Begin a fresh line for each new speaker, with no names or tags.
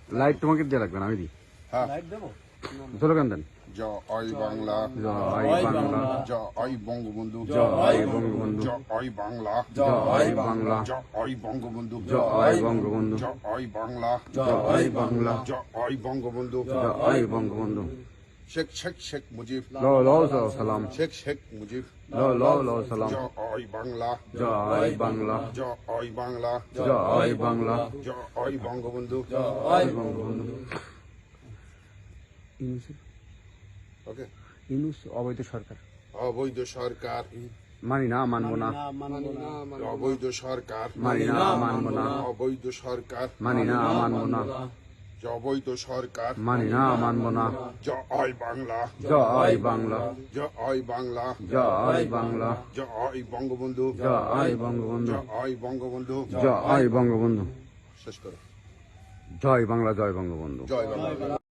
Light তোমাকে দিয়ে রাখবেন, আমি দিই।
হ্যাঁ
স্লোগান দেন।
জয় বাংলা,
জয় বাংলা,
জয় বঙ্গবন্ধু,
জয় বঙ্গবন্ধু,
জয় বাংলা,
জয় বাংলা,
জয় বঙ্গবন্ধু,
জয় বঙ্গবন্ধু,
জয় বাংলা,
জয় বাংলা,
জয় বঙ্গবন্ধু।
জয় বঙ্গবন্ধু।
শেখ শেখ শেখ মুজিব,
সালাম।
শেখ শেখ মুজিব।
সালাম।
জয় বাংলা,
জয় বাংলা,
জয় বাংলা,
জয় বাংলা,
জয় বঙ্গবন্ধু।
জয় বঙ্গবন্ধু।
ওকে,
ইউনূস অবৈধ সরকার
অবৈধ সরকার
মানি না, মানবো না।
অবৈধ সরকার
মানি না, মানবো না।
অবৈধ সরকার
মানি না, মানবো না।
অবৈধ সরকার
মানি না, মানবো না।
জয় বাংলা,
জয় বাংলা,
জয় বাংলা,
জয় বাংলা,
জয় বঙ্গবন্ধু,
জয় বঙ্গবন্ধু,
জয় বঙ্গবন্ধু।
জয় বঙ্গবন্ধু।
শেষ করো।
জয় বাংলা, জয় বঙ্গবন্ধু।
জয় বাংলা।